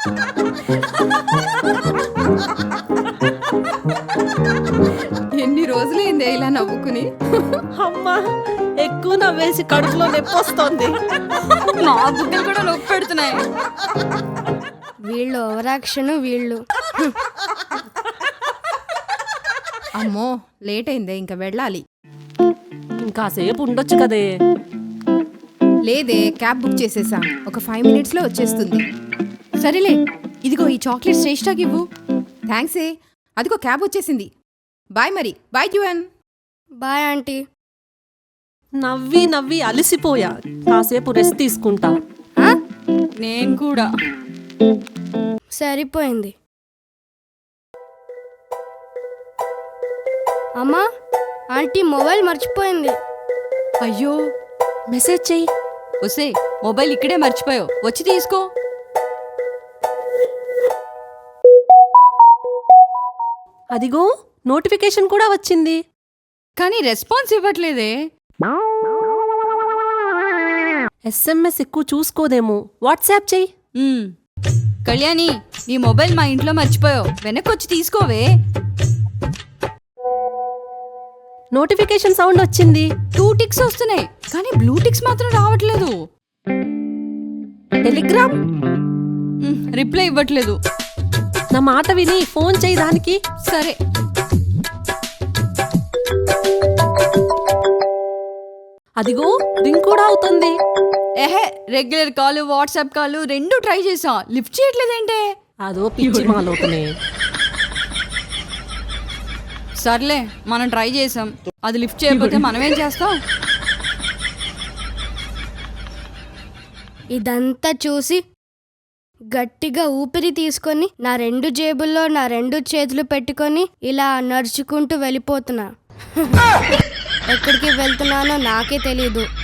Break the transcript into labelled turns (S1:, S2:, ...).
S1: ఎన్ని రోజులైందే ఇలా నవ్వుకుని.
S2: అమ్మా ఎక్కువ నవ్వేసి కడుపులో నొప్పి వస్తుంది.
S1: నా బుగ్గలు కూడా నొప్పి పెడుతున్నాయి.
S3: వీళ్ళు ఓవరాక్షన్ వీళ్ళు.
S1: అమ్మో లేట్ అయిందే, ఇంకా వెళ్ళాలి.
S2: ఇంకాసేపు ఉండొచ్చు కదే.
S1: లేదే, క్యాబ్ బుక్ చేసేసా, ఒక 5 minutesలో వచ్చేస్తుంది. సరేలే, ఇదిగో ఈ చాక్లెట్ శ్రేష్ఠకి ఇవ్వు. థ్యాంక్సే. అదిగో క్యాబ్ వచ్చేసింది. బాయ్ మరి. బాయ్ జ్యువన్.
S3: Bye aunty.
S2: నవ్వి నవ్వి అలసిపోయా, కాసేపు రెస్ట్ తీసుకుంటా.
S1: నేను కూడా.
S3: సరిపోయింది. అమ్మా, ఆంటీ మొబైల్ మర్చిపోయింది.
S1: అయ్యో,
S2: మెసేజ్ చెయ్యి.
S1: ఒసే, మొబైల్ ఇక్కడే మర్చిపోయావు, వచ్చి తీసుకో.
S2: అదిగో నోటిఫికేషన్ కూడా వచ్చింది,
S1: కానీ రెస్పాన్స్ ఇవ్వట్లేదే.
S2: SMS ఎక్కువ చూసుకోదేమో. వాట్సాప్ చెయ్యి.
S1: కళ్యాణి, నీ మొబైల్ మా ఇంట్లో మర్చిపోయావు, వెనక్కొచ్చి తీసుకోవే.
S2: నోటిఫికేషన్ సౌండ్ వచ్చింది.
S1: 2 టిక్స్ వస్తున్నాయి, కానీ బ్లూ టిక్స్ మాత్రం రావట్లేదు.
S2: టెలిగ్రామ్
S1: రిప్లై ఇవ్వట్లేదు.
S2: నా మాట విని ఫోన్ చేయి దానికి.
S1: సరే.
S2: అదిగో రింగ్ కూడా అవుతుంది.
S1: ఏహే, రెగ్యులర్ కాల్, వాట్సాప్ కాల్ రెండు ట్రై చేసా, లిఫ్ట్ చేయట్లేదేంటే.
S2: అదో పిచ్చి మాలోకనే.
S1: సర్లే, మనం ట్రై చేసాం, అది లిఫ్ట్ చేయకపోతే మనమేం చేస్తాం.
S3: ఇదంతా చూసి గట్టిగా ఊపిరి తీసుకొని నా 2 జేబుల్లో నా 2 చేతులు పెట్టుకొని ఇలా నడుచుకుంటూ వెళ్ళిపోతున్నా. ఎక్కడికి వెళ్తున్నానో నాకే తెలీదు.